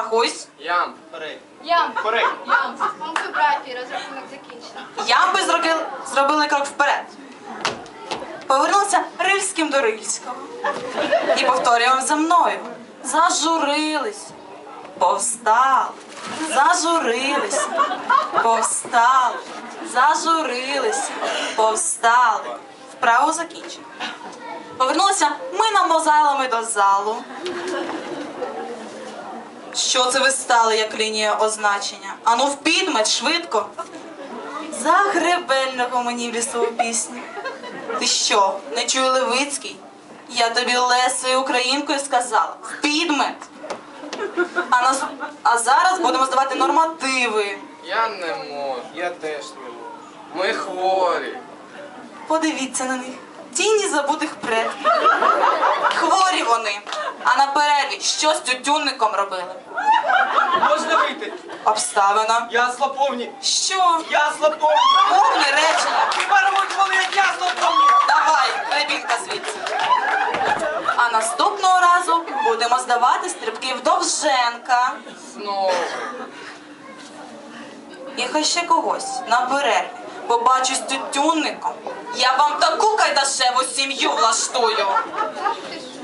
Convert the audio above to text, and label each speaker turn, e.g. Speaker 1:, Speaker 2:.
Speaker 1: Рахуйсь.
Speaker 2: Ям.
Speaker 3: Ям.
Speaker 2: Корей.
Speaker 3: Ям. Пункти братії, розрахунок закінчено.
Speaker 1: Ямби зробили крок вперед. Повернулися Рильським до Рильського. І повторюємо за мною. Зажурились. Повстали. Зажурились. Повстали. Зажурились. Повстали. Вправо закінчено. Повернулися ми мозайлами до залу. Що це ви стали, як лінія означення? Ану в підмет, швидко. Загребельного мені в лісову пісню. Ти що, не чує Левицький? Я тобі Лесою українкою сказала. В підмет. А зараз будемо здавати нормативи.
Speaker 2: Я не можу. Я теж не можу. Ми хворі.
Speaker 1: Подивіться на них. Тіні забутих предків. Хворі вони. А на перерві що з тютюнником робили?
Speaker 4: Можна вийти?
Speaker 1: Обставина.
Speaker 4: Ясла повні.
Speaker 1: Що?
Speaker 4: Ясла повні.
Speaker 1: Повне речення.
Speaker 4: Хіба рвуть вони, як ясла повні?
Speaker 1: Давай, рибінка звідси. А наступного разу будемо здавати стрибки в Довженка.
Speaker 2: Знову.
Speaker 1: І хай ще когось на перерві побачу з тютюнником. Я вам таку кайдашеву сім'ю влаштую.
Speaker 3: Ах ти ж.